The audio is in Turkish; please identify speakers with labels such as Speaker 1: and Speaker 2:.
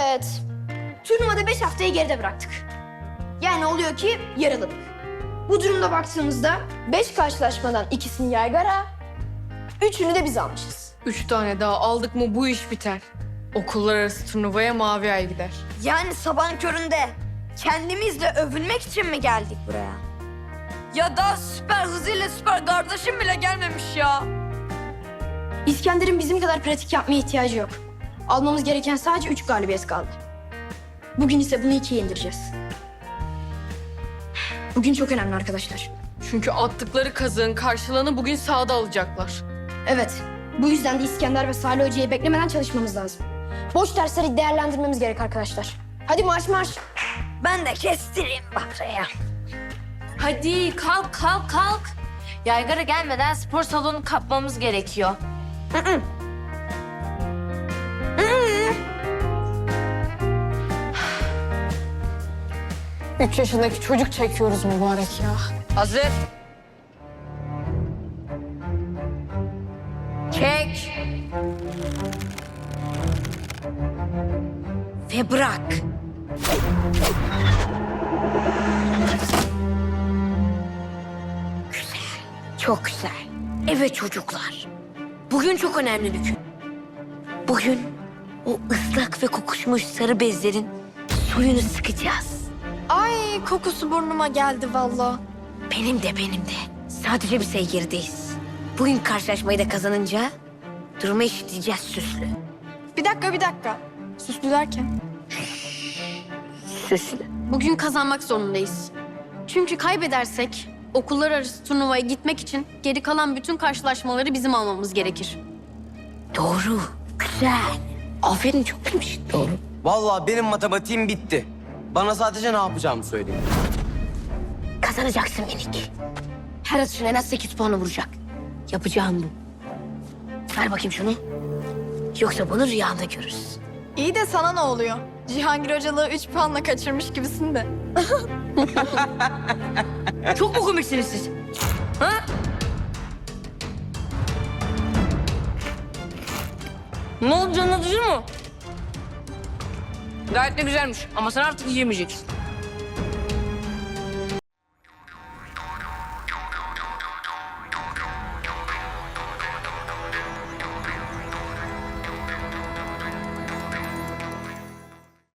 Speaker 1: Evet. Turnuvada 5 haftayı geride bıraktık. Yani oluyor ki yarıladık. Bu durumda baktığımızda 5 karşılaşmadan ikisini Yaygara, 3'ünü de biz almışız.
Speaker 2: 3 tane daha aldık mı bu iş biter. Okullar arası turnuvaya Mavi Ay gider.
Speaker 3: Yani sabahın köründe kendimizle övünmek için mi geldik buraya? Ya da süper hızıyla süper kardeşim bile gelmemiş ya.
Speaker 1: İskender'in bizim kadar pratik yapmaya ihtiyacı yok. Almamız gereken sadece 3 galibiyet kaldı. Bugün ise bunu 2'ye indireceğiz. Bugün çok önemli arkadaşlar.
Speaker 2: Çünkü attıkları kazığın karşılığını bugün sahada alacaklar.
Speaker 1: Evet, bu yüzden de İskender ve Salih Hoca'yı beklemeden çalışmamız lazım. Boş dersleri değerlendirmemiz gerek arkadaşlar. Hadi marş marş.
Speaker 3: Ben de kestireyim Bahra'ya.
Speaker 4: Hadi kalk kalk kalk. Yaygara gelmeden spor salonu kapmamız gerekiyor.
Speaker 2: 3 yaşındaki çocuk çekiyoruz mübarek ya.
Speaker 3: Hazır. Çek. Ve bırak. Güzel. Çok güzel. Evet çocuklar. Bugün çok önemli bir gün. Bugün o ıslak ve kokuşmuş sarı bezlerin suyunu sıkacağız.
Speaker 1: Ay kokusu burnuma geldi vallahi.
Speaker 3: Benim de. Sadece bir sayı gerideyiz. Bugün karşılaşmayı da kazanınca durumu eşitleyeceğiz Süslü.
Speaker 1: Bir dakika. Süslü derken?
Speaker 3: Süslü.
Speaker 5: Bugün kazanmak zorundayız. Çünkü kaybedersek okullar arası turnuvaya gitmek için geri kalan bütün karşılaşmaları bizim almamız gerekir.
Speaker 3: Doğru. Güzel. Aferin çok demiş. Doğru.
Speaker 6: Vallahi benim matematiğim bitti. Bana sadece ne yapacağımı söyleyin.
Speaker 3: Kazanacaksın minik. Her atışın en az 8 puanı vuracak. Yapacağım bu. Ver bakayım şunu. Yoksa bunu rüyanda görürüz.
Speaker 7: İyi de sana ne oluyor? Cihangir hocalığı 3 puanla kaçırmış gibisin de.
Speaker 3: Çok mu komiksiniz siz? Ha?
Speaker 4: Ne oldu, canın acıyor mu? Gayet de güzelmiş ama sen artık yiyemeyeceksin.